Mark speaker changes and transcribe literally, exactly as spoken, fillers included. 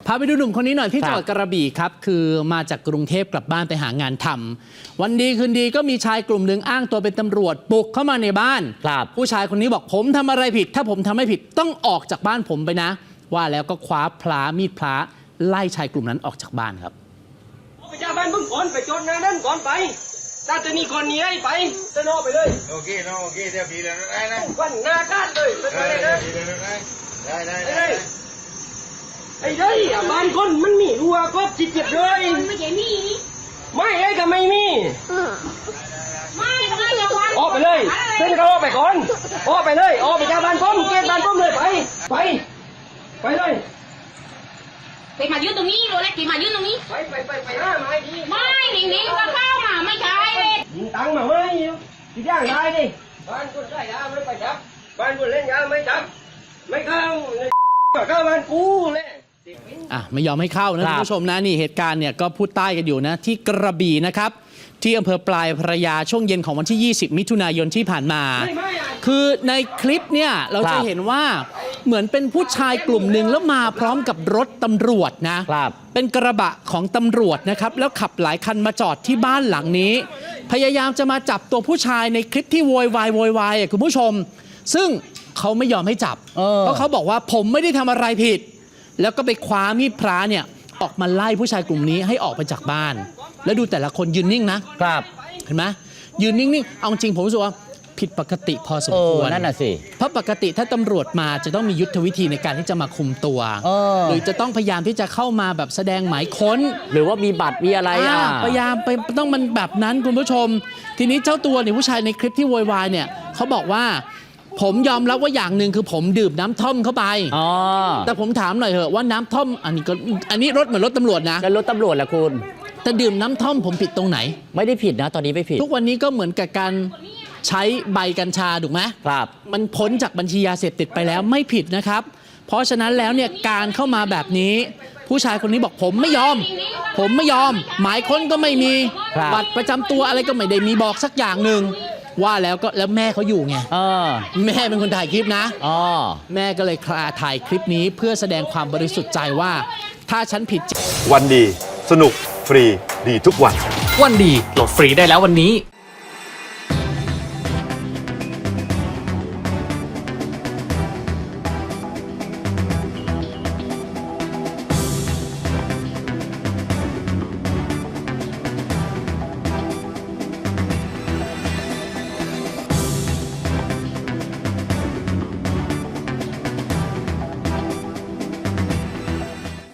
Speaker 1: พาไปดูหนุ่มคนนี้หน่อยที่จังหวัดกระบี่ครับคือมาจากกรุงเทพกลับบ้านไปหางานทำวันดีคืนดีก็มีชายกลุ่มหนึ่งอ้างตัวเป็นตำรวจบุกเข้ามาในบ้านผู้ชายคนนี้บอกผมทำอะไรผิดถ้าผมทำไม่ผิดต้องออกจากบ้านผมไปนะว่าแล้วก็คว้าพลามีดพลาไล่ชายกลุ่มนั้นออกจากบ้านครับ
Speaker 2: ไปจากบ้านมึงก่อนไปจดนะนั่นก่อนไปถ้าจะมีคนนี้ให้ไปจะนอไปเลย
Speaker 3: โอเคน้องโอเคเดี๋ยวพี่แล้วได้นะ
Speaker 2: วันหน้าการเลยไปเลยนะ
Speaker 3: ได้ได้ได้
Speaker 2: ไอ้ได้บ้านคนมันมีรัวก็จิตเจ็บเลย
Speaker 4: ไม่ใช่มี
Speaker 2: ไม่ไอ้ก็ไม่มี
Speaker 4: ไม่ไม่อย่าวัน
Speaker 2: ออกไปเลยเส้นเขาออกไปก่อนออกไปเลยออกไปจากบ้านผมเกณฑ์บ้านผมเลยไปไปไปเลย
Speaker 4: ไปมายืนตรงนี้เลยแล้วกี่มายืนตรงนี้
Speaker 2: ไปไปไปไปห้าไม้ดี
Speaker 4: ไม่หนิงหนิงก็เข้ามาไม่ใช่
Speaker 2: ยิงตังมาไม่ที่ย่างได้ดิบ้านคนได้ยาไม่ไปจับบ้านคนเล่นยาไม่จับไม่เข้าเข้าบ้านกูเลย
Speaker 1: อ่ะไม่ยอมให้เข้านะคุณผู้ชมนะนี่เหตุการณ์เนี่ยก็พูดใต้กันอยู่นะที่กระบี่นะครับที่อำเภอปลายพระยาช่วงเย็นของวันที่ ยี่สิบ มิถุนายนที่ผ่านมาคือในคลิปเนี่ยเราจะเห็นว่าเหมือนเป็นผู้ชายกลุ่มหนึ่งแล้วมาพร้อมกับรถตำรวจนะเป็นกระบะของตำรวจนะครับแล้วขับหลายคันมาจอดที่บ้านหลังนี้พยายามจะมาจับตัวผู้ชายในคลิปที่โวยวายโวยวายอ่ะคุณผู้ชมซึ่งเขาไม่ยอมให้จับเพราะเขาบอกว่าผมไม่ได้ทำอะไรผิดแล้วก็ไปคว้ามีดพระเนี่ยออกมาไล่ผู้ชายกลุ่มนี้ให้ออกไปจากบ้านแล้วดูแต่ละคนยืนนิ่งนะครับเห็นไหมยืนนิ่งๆเอาจริงผมรู้สึกว่าผิดปกติพอสมควร
Speaker 5: นั่นน่ะสิ
Speaker 1: เพราะปกติถ้าตำรวจมาจะต้องมียุทธวิธีในการที่จะมาคุมตัวหรือจะต้องพยายามที่จะเข้ามาแบบแสดงหมายค้น
Speaker 5: หรือว่ามีบัตรมีอะไรอ่ะ
Speaker 1: พยายามไปต้องมันแบบนั้นคุณผู้ชมทีนี้เจ้าตัวเนี่ยผู้ชายในคลิปที่โวยวายเนี่ยเขาบอกว่าผมยอมรับว่าอย่างหนึ่งคือผมดื่มน้ำท่อมเข้าไปแต่ผมถามหน่อยเถอะว่าน้ำท่อมอันนี้ก็อันนี้รถเหมือนรถตำรวจนะ
Speaker 5: แล้วรถตำรวจล่ะคุณ
Speaker 1: แต่ดื่มน้ำท่อมผมผิดตรงไหน
Speaker 5: ไม่ได้ผิดนะตอนนี้ไม่ผิด
Speaker 1: ทุกวันนี้ก็เหมือนกับการใช้ใบกัญชาถูกไหม
Speaker 5: ครับ
Speaker 1: มันพ้นจากบัญชียาเสพติดไปแล้วไม่ผิดนะครับเพราะฉะนั้นแล้วเนี่ยการเข้ามาแบบนี้ผู้ชายคนนี้บอกผมไม่ยอมผมไม่ยอมหมายค้นก็ไม่มีบัตรประจำตัวอะไรก็ไม่ได้มีบอกสักอย่างหนึ่งว่าแล้วก็แล้วแม่เขาอยู่ไงแม่เป็นคนถ่ายคลิปนะแม่ก็เลยถ่ายคลิปนี้เพื่อแสดงความบริสุทธิ์ใจว่าถ้าฉันผิด
Speaker 6: วันดีสนุกฟรีดีทุกวัน
Speaker 7: วันดีโหลดฟรีได้แล้ววันนี้